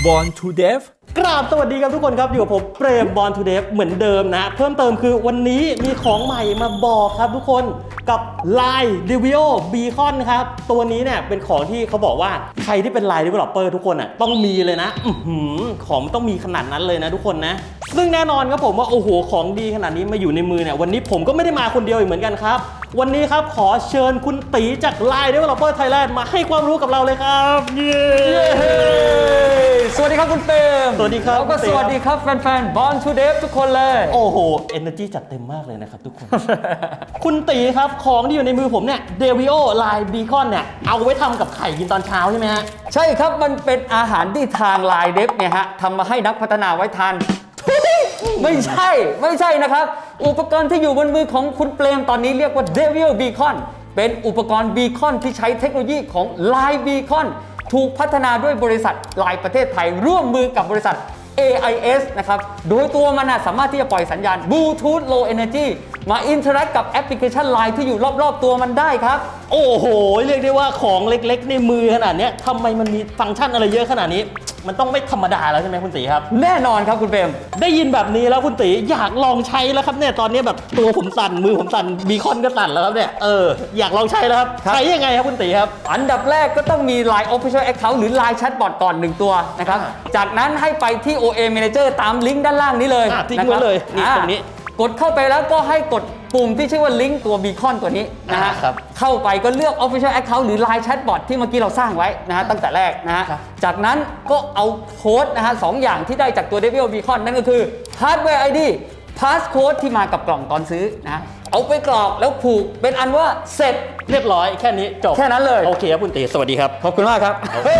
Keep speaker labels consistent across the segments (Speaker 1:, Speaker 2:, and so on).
Speaker 1: Born to Deaf
Speaker 2: กราบสวัสดีครับทุกคนครับอยู่กับผมเปรม Born to Deaf เหมือนเดิมนะเพิ่มเติมคือวันนี้มีของใหม่มาบอกครับทุกคนกับ Line Devio Beacon ครับตัวนี้เนี่ยเป็นของที่เขาบอกว่าใครที่เป็น Line Developer ทุกคนอ่ะต้องมีเลยนะของต้องมีขนาดนั้นเลยนะทุกคนนะซึ่งแน่นอนครับผมว่าโอ้โหของดีขนาดนี้มาอยู่ในมือเนี่ยวันนี้ผมก็ไม่ได้มาคนเดียวอีกเหมือนกันครับวันนี้ครับขอเชิญคุณตีจาก Line Developer Thailand มาให้ความรู้กับเราเลยครับเย้
Speaker 3: สวัสดีครับคุณเปรม
Speaker 2: สวัสดีครับ
Speaker 3: แล้วก็สวัสดีครับแฟนๆ Born to Deaf ทุกคนเลย
Speaker 2: โอ้โห energy จัดเต็มมากเลยนะครับทุกคน คุณตีครับของที่อยู่ในมือผมเนี่ย Devio Line Beacon เนี่ยเอาไว้ทำกับไข่กินตอนเช้าใช่ไหมฮะ
Speaker 3: ใช่ครับมันเป็นอาหารที่ทาง Line Dev เนี่ยฮะทำมาให้นักพัฒนาไว้ทาน ไม่ใช่นะครับ อุปกรณ์ที่อยู่บนมือของคุณเปรมตอนนี้เรียกว่า Devio Beacon เป็นอุปกรณ์ Beacon ที่ใช้เทคโนโลยีของ Line Beacon ถูกพัฒนาด้วยบริษัท Line ประเทศไทยร่วมมือกับบริษัท AIS นะครับ โดยตัวมันสามารถที่จะปล่อยสัญญาณ Bluetooth Low Energy มาอินเทอร์แอคกับแอปพลิเคชัน Line ที่อยู่รอบๆตัวมันได้ครับ
Speaker 2: โอ้โห เรียกได้ว่าของเล็กๆในมือขนาดเนี้ยทำไมมันมีฟังก์ชันอะไรเยอะขนาดนี้ มันต้องไม่ธรรมดาแล้วใช่ไหมคุณตีครับ
Speaker 3: แน่นอนครับคุณเปรม
Speaker 2: ได้ยินแบบนี้แล้วคุณตีอยากลองใช้แล้วครับเนี่ยตอนนี้แบบตัวผมสั่นมือผมสั่นบีคอนก็สั่นแล้วครับเนี่ยอยากลองใช้แล้วครับ
Speaker 3: ครับ
Speaker 2: ใช้ยังไงครับคุณตีครับ
Speaker 3: อันดับแรกก็ต้องมี Line Official Account หรือ Line Chatbot ก่อน 1 ตัวนะครับ จากนั้นให้ไปที่ OA Manager ตามลิงก์ด้านล่างนี้เลย
Speaker 2: ทิ้งไว้เลยนี่ตรงนี้
Speaker 3: กดเข้าไปแล้วก็ให้กดปุ่มที่ชื่อว่าลิงก์ตัว Beacon ตัวนี้นะฮะ
Speaker 2: ครับ
Speaker 3: เข้าไปก็เลือก Official Account หรือ Line Chatbot ที่เมื่อกี้เราสร้างไว้นะฮะตั้งแต่แรกนะฮะ
Speaker 2: ครับ
Speaker 3: จากนั้นก็เอาโค้ดนะฮะ2อย่างที่ได้จากตัว Devio Beacon นั่นก็คือ Hardware ID Passcode ที่มากับกล่องตอนซื้อนะเอาไปกรอกแล้วผูกเป็นอันว่าเสร็จ
Speaker 2: เรียบร้อยแค่นี้จบ
Speaker 3: แค่นั้นเลย
Speaker 2: โอเคครับคุณตีสวัสดีครับ
Speaker 3: ขอบคุณมากครับ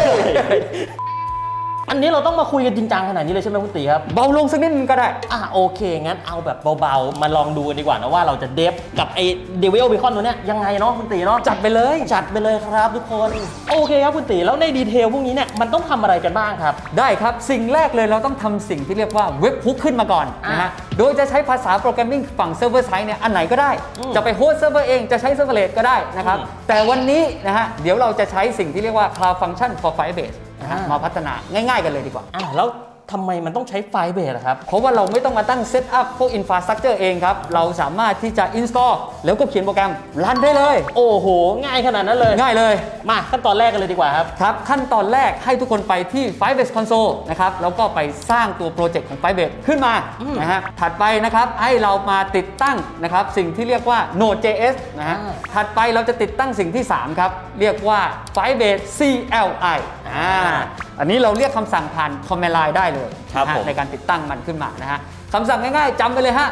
Speaker 2: อันนี้เราต้องมาคุยกันจริงจังขนาดนี้เลยใช่ไหมคุณตีครับ
Speaker 3: เบาลงสักนิดนึงก็ได้
Speaker 2: โอเคงั้นเอาแบบเบาๆมาลองดูกันดีกว่านะว่าเราจะเดฟกับไอ้ Devio Beacon ตัวเนี้ยยังไงเนาะคุณตีเนาะ
Speaker 3: จัดไปเลย
Speaker 2: จัดไปเลยครับทุกคนโอเคครับคุณตีแล้วในดีเทลพวกนี้เนี่ยมันต้องทำอะไรกันบ้างครับ
Speaker 3: ได้ครับ สิ่งแรกเลยเราต้องทำสิ่งที่เรียกว่าเว็บฮุกขึ้นมาก่อนนะฮะ โดยจะใช้ภาษาโปรแกรมมิ่งฝั่งเซิร์ฟเวอร์ไซต์เนี่ยอันไหนก็ได้ จะไปโฮสต์เซิร์ฟเวอร์เองจะใช้เซิร์ฟเวอร์เลสก็ได้นะครับ แต่วันนี้นะฮะเดี๋ยวเราจะใช้สิ่งที่เรียกว่า Cloud Function for Firebase นะฮะมาพัฒนาง่ายๆกันเลยดีกว่า
Speaker 2: แล้วทำไมมันต้องใช้ไฟล์เบสอะครับ
Speaker 3: เพราะว่าเราไม่ต้องมาตั้งเซตอัพพวกอินฟราสตรักเจอร์เองครับ เราสามารถที่จะ install แล้วก็เขียนโปรแกรมรันได้เลย
Speaker 2: โอ้โห ง่ายขนาดนั้นเลย
Speaker 3: ง่ายเลย
Speaker 2: มาขั้นตอนแรกกันเลยดีกว่าครับ
Speaker 3: ครับขั้นตอนแรกให้ทุกคนไปที่ Firebase Console นะครับแล้วก็ไปสร้างตัวโปรเจกต์ของ Firebase ขึ้นมานะฮะถัดไปนะครับให้เรามาติดตั้งนะครับสิ่งที่เรียกว่า Node.js นะฮะถัดไปเราจะติดตั้งสิ่งที่ 3 ครับ เรียกว่า Firebase CLI อันนี้เราเรียกคำสั่งผ่าน Command Line ได้เลย
Speaker 2: ครับ
Speaker 3: นะฮะ
Speaker 2: ผม
Speaker 3: ในการติดตั้งมันขึ้นมานะฮะคำสั่งง่ายๆจำไปเลยฮะ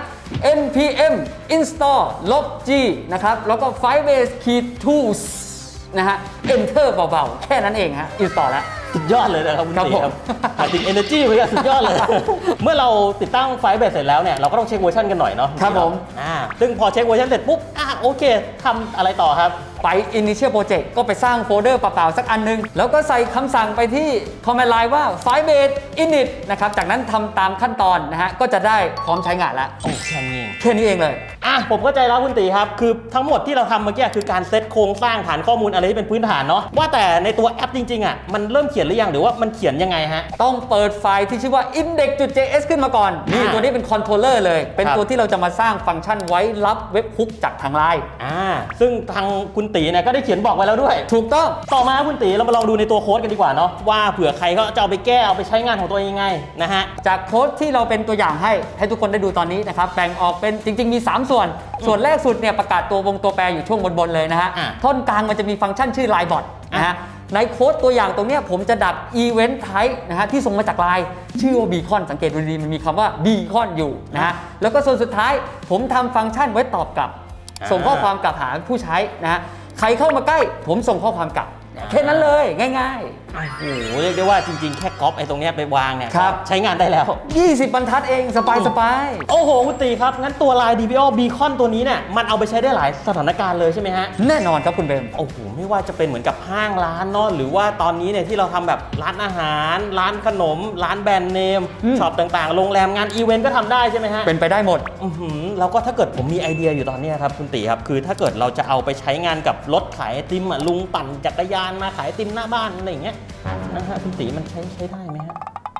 Speaker 3: npm install -g นะครับแล้วก็ Firebase tools นะฮะ enter เบาๆ แค่นั้นเองฮะ install แล้ว
Speaker 2: สุดยอดเลยนะครับคุณ
Speaker 3: ครับ
Speaker 2: ตี
Speaker 3: ผม
Speaker 2: ครับหมายถึง energy เหมือนกันสุดยอดเลย เมื่อเราติดตั้งไฟล์เบสเสร็จแล้วเนี่ยเราก็ต้องเช็คเวอร์ชันกันหน่อยเนาะ
Speaker 3: ครับผม
Speaker 2: ซึ่งพอเช็คเวอร์ชันเสร็จปุ๊บโอเคทำอะไรต่อครับ
Speaker 3: ไป initial project ก็ไปสร้างโฟลเดอร์เปล่าๆสักอันนึง แล้วก็ใส่คำสั่งไปที่ command line ว่า firebase init นะครับ จากนั้นทำตามขั้นตอนนะฮะ ก็จะได้พร้อมใช้งานแล้ว
Speaker 2: โอ้แค่นี้เอง
Speaker 3: แค่นี้เองเลย
Speaker 2: ผมเข้าใจแล้วคุณตีครับ คือทั้งหมดที่เราทำเมื่อกี้คือการเซตโครงสร้างฐานข้อมูลอะไรที่เป็นพื้นฐานเนาะว่าแต่ในตัวแอปจริงๆมันเริ่มเขียนหรือยังหรือว่ามันเขียนยังไงฮะ
Speaker 3: ต้องเปิดไฟล์ที่ชื่อว่า index.js ขึ้นมาก่อน นี่ตัวนี้เป็น controller เลย เป็น
Speaker 2: ครับ
Speaker 3: ตัวที่เราจะมาสร้างฟังก์ชันไว้รับเว็บฮุกจากทางไลน์
Speaker 2: ซึ่งทางคุณตีเนี่ยก็ได้เขียนบอกไว้แล้วด้วย
Speaker 3: ถูกต้อง
Speaker 2: ต่อมาคุณตีเรามาลองดูในตัวโค้ดกันดีกว่าเนาะว่าเผื่อใครเขาจะเอาไปแก้เอาไปใช้งานของตัวเองยังไงนะฮะ
Speaker 3: จากโค้ดที่เราเป็นตัวอย่างให้ทุกคนได้ดูตอนนี้นะครับแบ่งออกเป็นจริงๆมี 3 ส่วน ส่วนแรกสุดเนี่ยประกาศตัววงตัวแปรอยู่ช่วงบนๆเลยนะฮะ ท่อนกลางมันจะมีฟังก์ชันชื่อ Line Bot นะฮะในโค้ดตัวอย่างตรงเนี้ยผมจะดัก Event Type นะฮะที่ส่งมาจาก Line ชื่อว่า Beacon สังเกตดูดีมันมีคำว่า Beacon อยู่นะฮะแล้วก็ส่วนสุดท้ายผมทำฟังก์ชันไว้ตอบกลับ ส่งข้อความกลับหาผู้ใช้นะฮะใครเข้ามาใกล้ผมส่งข้อความกลับแค่นั้นเลยง่ายๆ
Speaker 2: โอ้โหเรียกได้ว่าจริงๆแค่ก๊อปไอ้ตรงเนี้ยไปวางเนี่ย
Speaker 3: ครับ
Speaker 2: ใช้งานได้แล้ว
Speaker 3: 20 บรรทัดเองสบาย
Speaker 2: โอ้โหคุณตีครับ งั้นตัว Line Devio Beacon ตัวนี้เนี่ยมันเอาไปใช้ได้หลายสถานการณ์เลยใช่ไหมฮะ
Speaker 3: แน่นอนครับคุณเบม
Speaker 2: โอ้โหไม่ว่าจะเป็นเหมือนกับห้างร้านเนาะหรือว่าตอนนี้เนี่ยที่เราทำแบบร้านอาหาร ร้านขนม ร้านแบรนด์เนมช็อปต่างๆโรงแรมงานอีเวนต์ก็ทำได้ใช่ไหมฮะ
Speaker 3: เป็นไปได้หมด
Speaker 2: แล้วก็ถ้าเกิดผมมีไอเดียอยู่ตอนเนี้ยครับคุณตีครับคือถ้าเกิดเราจะเอาไปใช้งานกับรถขายไอติมลุงปั่นจักรยานมาขายไอติมหน้าบ้านอะไรอย่างเงี้ยนะฮะคุณตีมันใช้ได้ไหมฮะ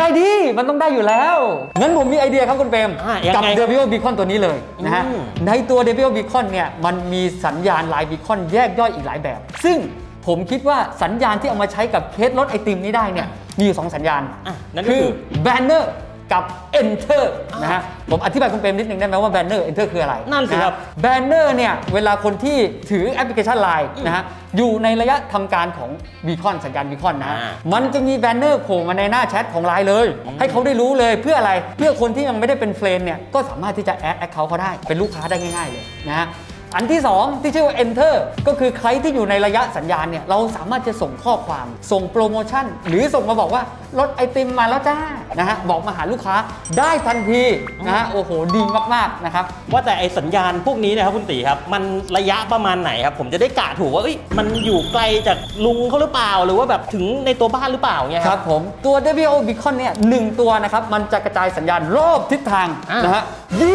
Speaker 3: ได้ดิมันต้องได้อยู่แล้วงั้นผมมีไอเดียครับคุณเปรมกับ Devio Beacon ตัวนี้เลยนะฮะในตัว Devio Beacon เนี่ยมันมีสัญญาณลายบีคอนแยกย่อยอีกหลายแบบซึ่งผมคิดว่าสัญญาณที่เอามาใช้กับเคสรถไอติมนี้ได้เนี่ยมีอยู่2สัญญาณ
Speaker 2: นั่นก็คือ
Speaker 3: Banner กับ Enter นะฮะผมอธิบายคุณเปรมนิดนึงได้ไหมว่า Banner Enter คืออะไร
Speaker 2: นั่นสิครับ
Speaker 3: Banner เนี่ยเวลาคนที่ถือแอปพลิเคชัน Line นะฮะอยู่ในระยะทำการของ Beacon สัญญาณ Beacon นะมันจะมี Banner โผล่มาในหน้าแชทของ Line เลยให้เขาได้รู้เลยเพื่ออะไรเพื่อคนที่ยังไม่ได้เป็นเฟรนด์เนี่ยก็สามารถที่จะแอด Account เขาได้เป็นลูกค้าได้ง่ายๆเลยนะฮะอันที่2ที่ชื่อว่า Enter ก็คือใครที่อยู่ในระยะสัญญาณเนี่ยเราสามารถจะส่งข้อความส่งโปรโมชั่นหรือส่งมาบอกว่ารถไอติมมาแล้วจ้านะฮะบอกมาหาลูกค้าได้ทันทีนะฮะโอ้โหดีมากๆนะครับ
Speaker 2: ว่าแต่ไอสัญญาณพวกนี้นะครับคุณตีครับมันระยะประมาณไหนครับผมจะได้กะถูกว่ามันอยู่ไกลจากลุงเขาหรือเปล่าหรือว่าแบบถึงในตัวบ้านหรือเปล่าเนี่ย
Speaker 3: ครับผมตัว Devio Beacon เนี่ย1ตัวนะครับมันจะกระจายสัญญาณรอบทิศทางนะฮะ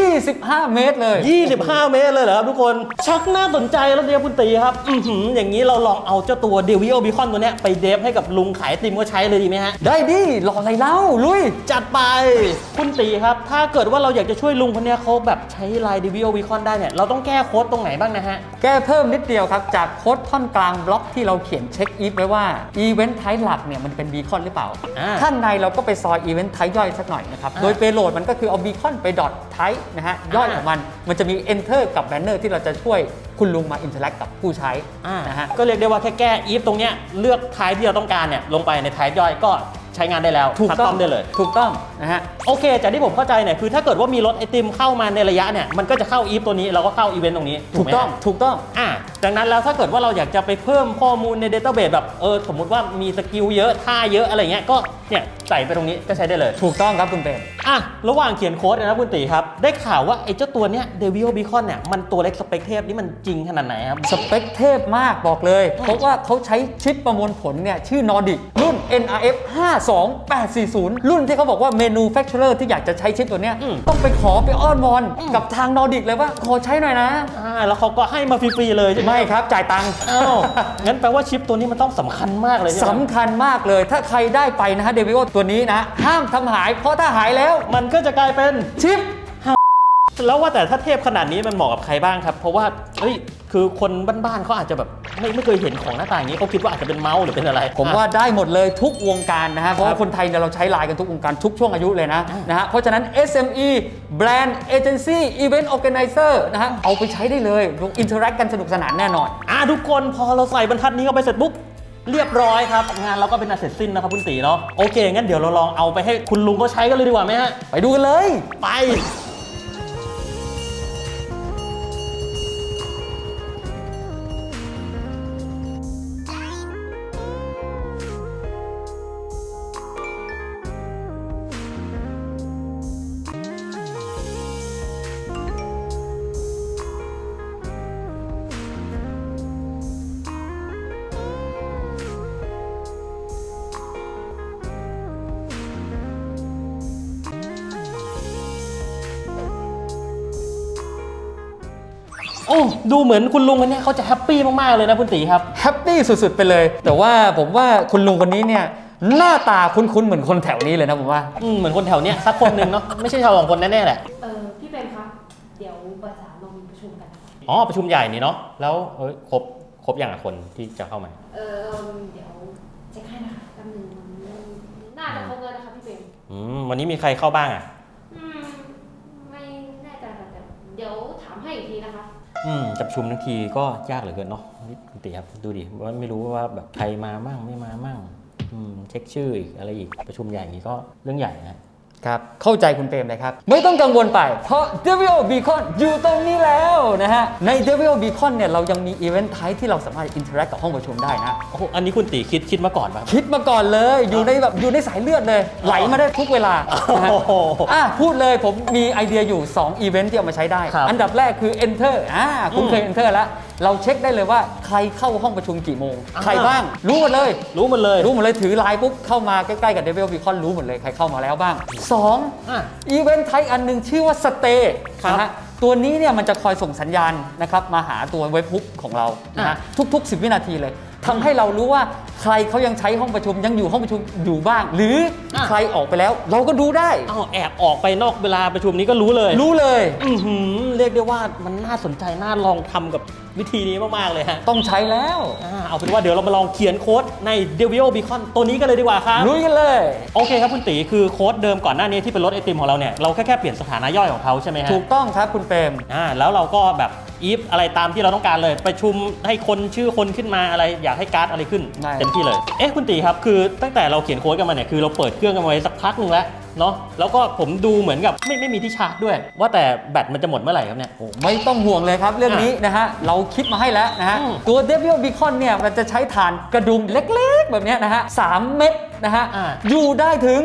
Speaker 3: 25 เมตรเลย
Speaker 2: 25 เมตรเลยเหรอครับทุกคนชักน่าสนใจแล้วเนี่ยคุณตีครับอย่างนี้เราลองเอาเจ้าตัว Devio Beacon ตัวเนี้ยไปเดฟให้กับลุงขายไอติมก็ใช้เลยดีไหมฮะ
Speaker 3: ได้ดิรออะไรเล่าลุย
Speaker 2: จัดไปคุณตีครับถ้าเกิดว่าเราอยากจะช่วยลุงคนนี้เขาแบบใช้ไลน์ Devio Beacon ได้เนี่ยเราต้องแก้โค้ดตรงไหนบ้างนะฮะ
Speaker 3: แก้เพิ่มนิดเดียวครับจากโค้ดท่อนกลางบล็อกที่เราเขียนเช็คอีฟไว้ว่าอีเวนต์ไทป์หลักเนี่ยมันเป็น Beacon หรือเปล่าข้างในเราก็ไปซอยอีเวนต์ไทป์ย่อยสักหน่อยนะครับโดยเปโลดมันก็คือเอา Beacon ไป dot type นะฮะย่อยของมันจะมี enter กับ banner ที่เราจะช่วยคุณลุงมาอินเทอร์แอคกับผู้ใช้นะฮะ
Speaker 2: ก็เรียกได้ว่าแค่แก้อีฟตรงเนี้ยเลือกไทป์ที่เราต้องการเนี่ยลงไปในไทป์ย่อยก็ใช้งานได้แล้ว
Speaker 3: ถูกต้อง
Speaker 2: ได้เลย
Speaker 3: ถูกต้องนะฮะ
Speaker 2: โอเคจากที่ผมเข้าใจเนี่ยคือถ้าเกิดว่ามีรถไอติมเข้ามาในระยะเนี่ยมันก็จะเข้าอีฟตัวนี้เราก็เข้าอีเวนต์ตรงนี้
Speaker 3: ถูกต้อง
Speaker 2: ดังนั้นแล้วถ้าเกิดว่าเราอยากจะไปเพิ่มข้อมูลใน Database แบบสมมุติว่ามีสกิลเยอะท่าเยอะอะไรเงี้ยก็เนี่ยใส่ไปตรงนี้ก็ใช้ได้เลย
Speaker 3: ถูกต้องครับคุณเปรม
Speaker 2: ระหว่างเขียนโค้ดนะคุณตีครับได้ข่าวว่าไอ้เจ้าตัวเนี้ย Devio Beacon เนี่ยมันตัวเล็กสเปคเทพนี่มันจริงขนาดไหนครับ
Speaker 3: สเปคเทพมากบอกเลยเพราะว่าเขาใช้ชิปประมวลผลเนี่ยชื่อ Nordic รุ่น NRF 52840รุ่นที่เขาบอกว่า Manufacturer ที่อยากจะใช้ชิปตัวเนี้ยต้องไปขอไปอ้อนวอนกับทาง Nordic เลยว่าขอใช้หน่อยนะ
Speaker 2: แล้วเขาก็ให้มาฟรีๆเลยใช่ไหม
Speaker 3: ไม่ครับจ่ายตังค์
Speaker 2: งั้นแปลว่าชิปตัวนี้มันต้องสำคัญมากเลย
Speaker 3: สำคัญมากเลยถ้าใครได้ไปนะฮะ Devio ตัวนี้นะห้ามทำหายเพราะถ้าหายแล้ว
Speaker 2: มันก็จะกลายเป็น
Speaker 3: ชิป
Speaker 2: แล้วว่าแต่ถ้าเทพขนาดนี้มันเหมาะกับใครบ้างครับเพราะว่าคือคนบ้านๆเขาอาจจะแบบไม่เคยเห็นของหน้าตาอย่างนี้เขาคิดว่าอาจจะเป็นเมาส์หรือเป็นอะไร
Speaker 3: ผมว่าได้หมดเลยทุกวงการนะฮะเพราะว่าคนไทยเนี่ยเราใช้ไลน์กันทุกวงการทุกช่วงอายุเลยนะฮะเพราะฉะนั้น SME Brand Agency Event Organizer นะฮะเอาไปใช้ได้เลยอินเทอร์แอคกันสนุกสนานแน่นอน
Speaker 2: ทุกคนพอเราใส่บรรทัดนี้เข้าไปเสร็จปุ๊บเรียบร้อยครับงานเราก็เป็นอันเสร็จสิ้นนะครับคุณตีเนาะโอเคงั้นเดี๋ยวเราลองเอาไปให้คุณลุงเขาใช้กันเลยดีกว่าไหมฮะ
Speaker 3: ไปดูกันเลย
Speaker 2: ไปดูเหมือนคุณลุงคนนี้เขาจะแฮปปี้มากๆเลยนะคุณตีครับ
Speaker 3: แฮปปี้สุดๆไปเลยแต่ว่าผมว่าคุณลุงคนนี้เนี่ยหน้าตาคุ้นๆเหมือนคนแถวนี้เลยนะผมว่า
Speaker 2: เหมือนคนแถวเนี้ยสักคนหนึ่งเนาะไม่ใช่ชาวสองคนแน่ๆแหละ
Speaker 1: พี่เป็นครับเดี๋ยวประสานลงประชุมกัน
Speaker 2: ประชุมใหญ่นี่เนาะแล้วครบอย่างคนที่จะเข้ามา
Speaker 1: เดี๋ยวเช็คให้นะคะแป๊บนึงน่าจะครบเลยนะคะพี่เป็น
Speaker 2: วันนี้มีใครเข้าบ้าง
Speaker 1: ไม่แน่ใจแต่เดี๋ยวถามให้อีกทีนะคะ
Speaker 2: จะประชุมทั้งทีก็ยากเหลือเกินเนาะคุณตีครับดูดิว่าไม่รู้ว่าแบบใครมามั่งไม่มามั่งเช็คชื่ออีกอะไรอีกประชุมใหญ่นี้ก็เรื่องใหญ่
Speaker 3: นะครับเข้าใจคุณเปรมเลยครับไม่ต้องกังวลไปเพราะ Devio Beacon อยู่ตรงนี้แล้วนะฮะใน Devio Beacon เนี่ยเรายังมีอีเวนต์ไทป์ที่เราสามารถอินเทอร์แอคกับห้องประชุมได้นะ
Speaker 2: อันนี้คุณตีคิดมาก่อนป่ะ
Speaker 3: คิดมาก่อนเลยอยู่ในสายเลือดเลยไหลมาได้ทุกเวลาพูดเลยผมมีไอเดียอยู่2อีเวนต์ที่เอามาใช้ได้อันดับแรกคือ Enter คุณเคย Enter แล้วเราเช็คได้เลยว่าใครเข้าห้องประชุมกี่โมงใครบ้างรู้หมดเลยถือไลน์ปุ๊บเข้ามาใกล้ๆกับ Devio Beacon รู้หมดเลยใครเข้ามาแล้วบ้าง2อีเวนต์ไทป์อันนึงชื่อว่า Stay นะฮะตัวนี้เนี่ยมันจะคอยส่งสัญญาณนะครับมาหาตัวเว็บฮุกของเรานะฮะทุกๆ10 วินาทีเลยทำให้เรารู้ว่าใครเขายังใช้ห้องประชุมยังอยู่ห้องประชุมอยู่บ้าง หรือใครออกไปแล้วเราก็ดูได้
Speaker 2: แอบออกไปนอกเวลาประชุมนี้ก็รู้เลยเรียกได้ว่ามันน่าสนใจน่าลองทำกับวิธีนี้มากๆเลยฮะ
Speaker 3: ต้องใช้แล้ว
Speaker 2: เอาเป็นว่าเดี๋ยวเรามาลองเขียนโค้ดใน Devio Beacon ตัวนี้กันเลยดีกว่าครับ
Speaker 3: ลุยกันเลย
Speaker 2: โอเคครับคุณตีคือโค้ดเดิมก่อนหน้านี้ที่เป็นรถไอติมของเราเนี่ยเราแค่เปลี่ยนสถานะย่อยของเขาใช่ไหมฮะ
Speaker 3: ถูกต้องครับคุณเปรม
Speaker 2: แล้วเราก็แบบอีฟอะไรตามที่เราต้องการเลยประชุมให้คนชื่อคนขึ้นมาอะไรอยากให้การ์ดอะไรขึ้นเต็มที่เลยคุณตีครับคือตั้งแต่เราเขียนโค้ดกันมาเนี่ยคือเราเปิดเครื่องกันไว้สักพักหนึ่งแล้วเนาะแล้วก็ผมดูเหมือนกับไม่มีที่ชาร์จด้วยว่าแต่แบตมันจะหมดเมื่อไหร่ครับเนี่ย
Speaker 3: ไม่ต้องห่วงเลยครับเรื่องนี้นะฮะเราคิดมาให้แล้วนะฮะตัว Devio Beacon เนี่ยมันจะใช้ถ่านกระดุมเล็กๆแบบนี้นะฮะ3 เม็ดนะฮะอยู่ได้ถึง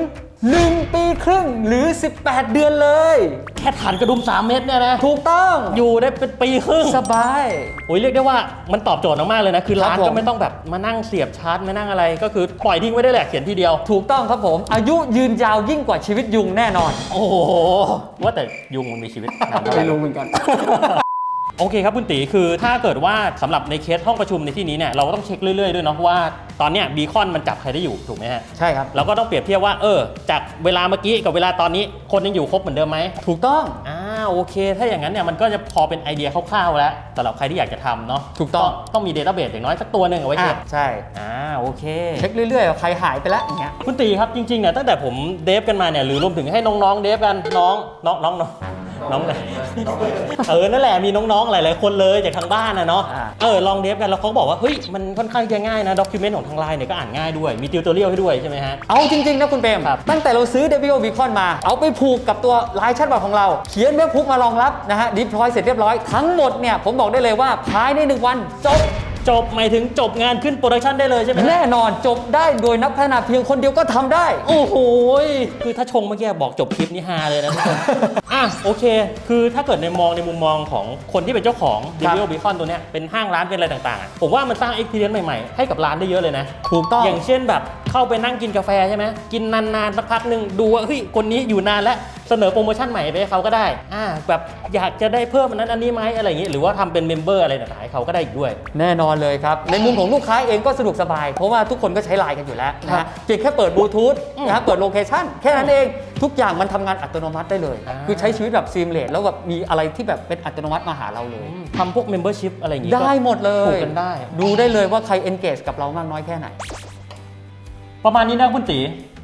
Speaker 3: 1 ปีครึ่งหรือ18 เดือนเลย
Speaker 2: แค่ถ่านกระดุม3 เม็ดเนี่ยนะ
Speaker 3: ถูกต้อง
Speaker 2: อยู่ได้เป็นปีครึ่ง
Speaker 3: สบาย
Speaker 2: เรียกได้ว่ามันตอบโจทย์มากๆเลยนะคือร้านก็ไม่ต้องแบบมานั่งเสียบชาร์จไม่นั่งอะไรก็คือปล่อยทิ้งไว้ได้แหละเขียนทีเดียว
Speaker 3: ถูกต้องครับผมอายุยืนยาวยิ่งกว่าชีวิตยุงแน่นอน
Speaker 2: โอ้โหว่าแต่ยุงมันมีชีวิต
Speaker 3: ไม่รู้เหมือนกัน
Speaker 2: โอเคครับคุณตีคือถ้าเกิดว่าสำหรับในเคสห้องประชุมในที่นี้เนี่ยเราก็ต้องเช็คเรื่อยๆด้วยเนาะว่าตอนเนี้ยบีคอนมันจับใครได้อยู่ถูกไหมฮะ
Speaker 3: ใช่ครับ
Speaker 2: เราก็ต้องเปรียบเทียบว่าจากเวลาเมื่อกี้กับเวลาตอนนี้คนยังอยู่ครบเหมือนเดิมไหม
Speaker 3: ถูกต้อง
Speaker 2: โอเคถ้าอย่างนั้นเนี่ยมันก็จะพอเป็นไอเดียคร่าวๆแล้วสำหรับใครที่อยากจะทำเนาะ
Speaker 3: ถูก
Speaker 2: ต้องมีเดต้าเบสอย่างน้อยสักตัวหนึ่งเอาไว้เช็ค
Speaker 3: ใช่
Speaker 2: โอเค
Speaker 3: เช็คเรื่อยๆใครหายไปแล้วอย่างเงี้ย
Speaker 2: คุณตีครับจริงๆเนี่ยตั้งแต่ผมเดฟกันมาเนี่ยหรือรวมถึงให้น้องๆเดฟกันน้องเลยนั่นแหละมีน้องๆหลายๆคนเลยจากทางบ้านนะเนาะลองเดฟกันแล้วเขาบอกว่าเฮ้ยมันค่อนข้างจะง่ายนะด็อกิเมนต์ของทางไลน์เนี่ยก็อ่านง่ายด้วยมีติวตอเรียลให้ด้วยใช่ไหมฮะ
Speaker 3: เอาจริงๆนะคุณเปรมตั้งแต่เราซื้อ Devio Beacon มาเอาไปผูกกับตัวไลน์แชทบอทของเราเขียนเว็บพุกมารองรับนะฮะดิพลอยเสร็จเรียบร้อยทั้งหมดเนี่ยผมบอกได้เลยว่าภายใน1 วัน
Speaker 2: จบหมายถึงจบงานขึ้นโปรดักชันได้เลยใช่ไหม
Speaker 3: แน่นอนจบได้โดยนักพัฒนาเพียงคนเดียวก็ทำได้
Speaker 2: โอ้โหคือถ้าชงเมื่อกี้บอกจบคลิปนี้ฮาเลยนะทุกคนโอเคคือถ้าเกิดในมุมมองของคนที่เป็นเจ้าของ Devio Beacon ตัวเนี้ยเป็นห้างร้านเป็นอะไรต่างๆผมว่ามันสร้าง experience ใหม่ๆให้กับร้านได้เยอะเลยนะ
Speaker 3: ถูกต้อง
Speaker 2: อย่างเช่นแบบเข้าไปนั่งกินกาแฟใช่ไหมกินนานๆสักพักนึงดูว่าเฮ้ยคนนี้อยู่นานแล้วเสนอโปรโมชั่นใหม่ไปให้เขาก็ได้แบบอยากจะได้เพิ่มอันนั้นอันนี้ไหมอะไรอย่างงี้หรือว่าทำเป็นเมมเบอร์อะไรต่างๆให้เขาก็ได้อีกด้วย
Speaker 3: แน่นอนเลยครับในมุมของลูกค้าเองก็สะดวกสบายเพราะว่าทุกคนก็ใช้ไลน์กันอยู่แล้วนะฮะเพียงแค่เปิดบลูทูธนะเปิดโลเคชั่นแค่นั้นเองทุกอย่างมันทำงานอัตโนมัติได้เลยคือใช้ชีวิตแบบซีมเลสแล้วแบบมีอะไรที่แบบเป็นอัตโนมัติมาหาเราเลย
Speaker 2: ทำพวกเมมเบอร์ชิพอะไรอย่างงี้
Speaker 3: ได้หมดเลย
Speaker 2: ถูกกันได้
Speaker 3: ดูได้เลยว่าใคร engage กับเรามากน้อยแค่ไหน
Speaker 2: ประมาณนี้นะคุณตี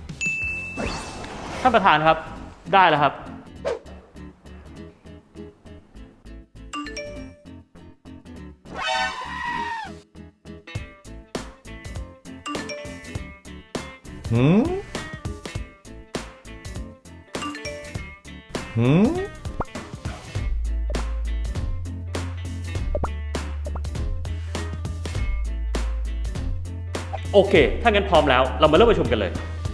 Speaker 2: ท่านประธานครับได้แล้วครับโอเคถ้างั้นพร้อมแล้วเรามาเริ่มประชุมกันเลย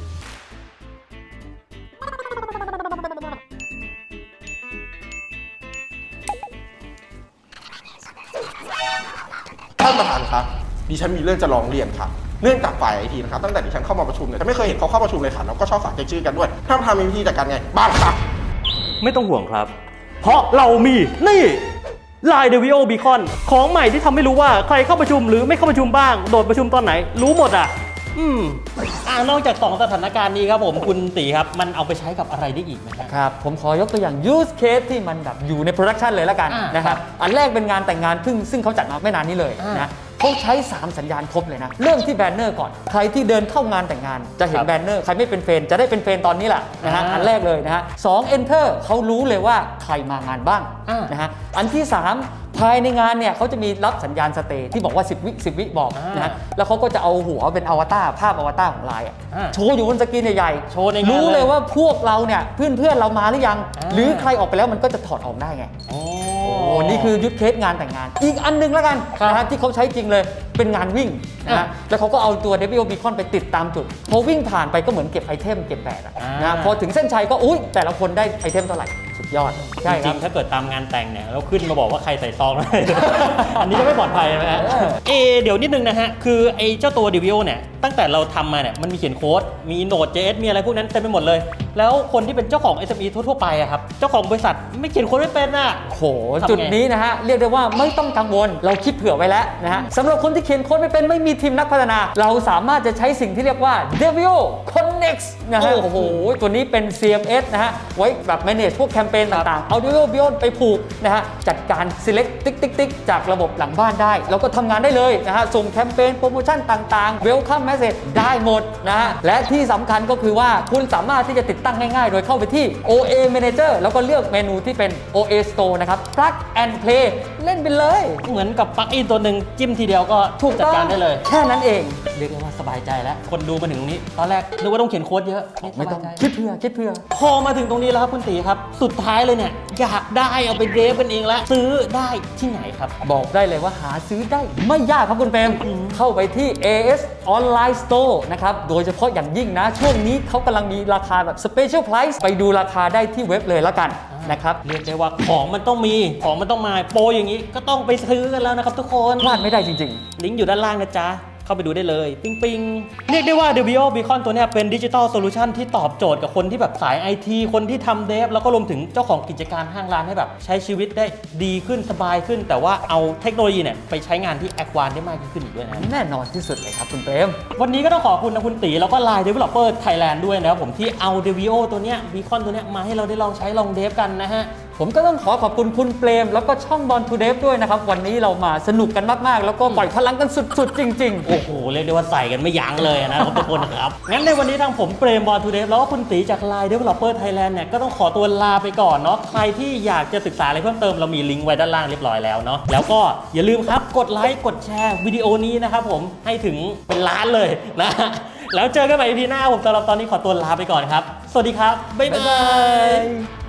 Speaker 4: ท่านประธานครับดิฉันมีเรื่องจะร้องเรียนค่ะเนื่องจากฝ่ายไอทีนะครับตั้งแต่ดิฉันเข้ามาประชุมเนี่ยฉันไม่เคยเห็นเขาเข้าประชุมเลยค่ะแล้วก็ชอบฝากชื่อกันด้วยท่านประธานมีวิธีจัดการไงบ้างครับ
Speaker 2: ไม่ต้องห่วงครับเพราะเรามีนี่ Line Devio Beacon ของใหม่ที่ทำให้รู้ว่าใครเข้าประชุมหรือไม่เข้าประชุมบ้างโดดประชุมตอนไหนรู้หมดนอกจาก2สถานการณ์นี้ครับผมคุณตีครับมันเอาไปใช้กับอะไรได้อีกไหม
Speaker 3: ครับผมขอยกตัวอย่าง use case ที่มันแบบอยู่ใน production เลยแล้วกันนะครับอันแรกเป็นงานแต่งงานซึ่งเขาจัดมาไม่นานนี้เลยนะเขาใช้3สัญญาณครบเลยนะเริ่มที่แบนเนอร์ก่อนใครที่เดินเข้างานแต่งงานจะเห็นแบนเนอร์ใครไม่เป็นเฟรนจะได้เป็นเฟรนตอนนี้แหละนะฮะอันแรกเลยนะฮะ2 enter เขารู้เลยว่าใครมางานบ้างนะฮะอันที่3ภายในงานเนี่ยเขาจะมีรับสัญญาณสเตย์ที่บอกว่า10 วิบอกนะแล้วเขาก็จะเอาหัวเป็นอวตารภาพอวตารของไลน์โชว์อยู่บนสกรีนใหญ่ๆโชว์ในงานรู้เลยว่าพวกเราเนี่ยเพื่อนเรามาหรือยังหรือใครออกไปแล้วมันก็จะถอดออกได้ไงนี่คือยูสเคสงานแต่งงานอีกอันนึงแล้วกันนะฮะที่เขาใช้จริงเลยเป็นงานวิ่งนะแล้วเขาก็เอาตัว Devio Beacon ไปติดตามจุดพอวิ่งผ่านไปก็เหมือนเก็บไอเทมเก็บแบตนะพอถึงเส้นชัยก็อุ๊ยแต่ละคนได้ไอเทมเท่าไหร่สุดยอด
Speaker 2: จ
Speaker 3: ใช่ค
Speaker 2: ริ
Speaker 3: รั
Speaker 2: ง
Speaker 3: บ
Speaker 2: ๆถ้าเกิดตามงานแต่งเนี่ยแล้วขึ้นมาบอกว่าใครใส่ซองอะไร อันนี้จะไม่ปลอดภัยนะฮะเดี๋ยวนิดนึงนะฮะคือไอ้เจ้าตัว Devio เนี่ยตั้งแต่เราทำมาเนี่ยมันมีเขียนโค้ดมี Node.js มีอะไรพวกนั้นเต็มไปหมดเลยแล้วคนที่เป็นเจ้าของ SME ทั่วๆไปอะครับเจ้าของบริษัทไม่เขียนโค้ดไม่เป็นอะ
Speaker 3: โห
Speaker 2: ทำไง
Speaker 3: จุดนี้นะฮะ เรียกได้ว่าไม่ต้องกังวล เราคิดเผื่อไว้แล้วนะฮะสำหรับคนที่เขียนโค้ดไม่เป็นไม่มีทีมนักพัฒนา เราสามารถจะใช้สิ่งที่เรียกว่า Devio Connect นะฮะ โอ้โห ตัวนี้เป็น CMS นะฮะ ไว้แบบ manage พวกแคมเปญต่างๆ เอา Devio Beyond ไปผูกนะฮะ จัดการ select ติ๊กจากระบบหลังบ้านได้ แล้วก็ทำงานได้เลยนะฮะ ส่งแคมเปญโปรโมชั่นต่างๆ Welcome Message ได้หมดนะฮะ และที่สำคัญก็คือว่าคุณสามารถที่จะติดตั้งง่ายๆ โดยเข้าไปที่ OA Manager แล้วก็เลือกเมนูที่เป็น OA Store นะครับ Plug and Play เล่นไปเลย
Speaker 2: เหมือนกับปลั๊กอินตัวหนึ่งจิ้มทีเดียวก็
Speaker 3: ถูก
Speaker 2: จัด
Speaker 3: ต้อง
Speaker 2: การได้เลย
Speaker 3: แค่นั้นเอง
Speaker 2: เรียกได้ว่าสบายใจแล้วคนดูมาถึงตรงนี้ตอนแรกนึกว่าต้องเขียนโค้ดเยอะนี่
Speaker 3: ไม่ต้อง
Speaker 2: สบายใจ
Speaker 3: คิดเผื่อ
Speaker 2: พอมาถึงตรงนี้แล้วครับคุณตีครับ สุดท้ายเลยเนี่ยอยากได้เอาไปเดฟกันเองแล้วซื้อได้ที่ไหนครับ
Speaker 3: บอกได้เลยว่าหาซื้อได้ไม่ยากครับคุณเปรมเข้าไปที่ AS Online Store นะครับ โดยเฉพาะอย่างยิ่งนะ ช่วงนี้เขากำลังมีราคาแบบ Special Price ไปดูราคาได้ที่เว็บเลยแล้วกันนะครับ
Speaker 2: เรียกได้ว่าของมันต้องมีของมันต้องมาโปรอย่างนี้ก็ต้องไปซื้อกันแล้วนะครับทุกคน
Speaker 3: พลาดไม่ได้จริง
Speaker 2: ลิงก์อยู่ด้านล่างนะจ๊ะ เข้าไปดูได้เลย ปิ๊งปิงเรียกได้ว่า Devio Beacon ตัวเนี้ยเป็นดิจิทัลโซลูชันที่ตอบโจทย์กับคนที่แบบสาย IT คนที่ทำเดฟแล้วก็รวมถึงเจ้าของกิจการห้างร้านให้แบบใช้ชีวิตได้ดีขึ้นสบายขึ้น แต่ว่าเอาเทคโนโลยีเนี่ยไปใช้งานที่แอดวานซ์ได้มากยิ่งขึ้นอีกด้วยนะ
Speaker 3: ๆ แน่นอนที่สุดเลยครับคุณเปรม
Speaker 2: วันนี้ก็ต้องขอบคุณนะคุณตีแล้วก็ Line Developer Thailand ด้วยนะครับผมที่เอา Devio ตัวเนี้ย Beacon ตัวเนี้ยมาให้เราได้ลองใช้ลองเดฟกันนะฮะ
Speaker 3: ผมก็ต้องขอขอบคุณคุณเปรมแล้วก็ช่อง Born to Dev ด้วยนะครับ วันนี้เรามาสนุกกันมากๆ แล้วก็ปล่อยพลังกันสุดๆ จริง
Speaker 2: โอ้โห เรียกได้ว่าใส่กันไม่ยั้งเลยนะครับทุกคนนะครับ งั้นในวันนี้ทางผมเปรมบอลทูเดฟแล้วก็คุณตีจาก Line Developer Thailand เนี่ยก็ต้องขอตัวลาไปก่อนเนาะใครที่อยากจะศึกษาอะไรเพิ่มเติมเรามีลิงก์ไว้ด้านล่างเรียบร้อยแล้วเนาะแล้วก็อย่าลืมครับกดไลค์กดแชร์วิดีโอนี้นะครับผมให้ถึงเป็นล้านเลยนะ แล้วเจอกันใหม่ EP หน้าผมสำหรับตอนนี้ขอตัวลาไปก่อนครับ สวัสดีครับบ๊ายบาย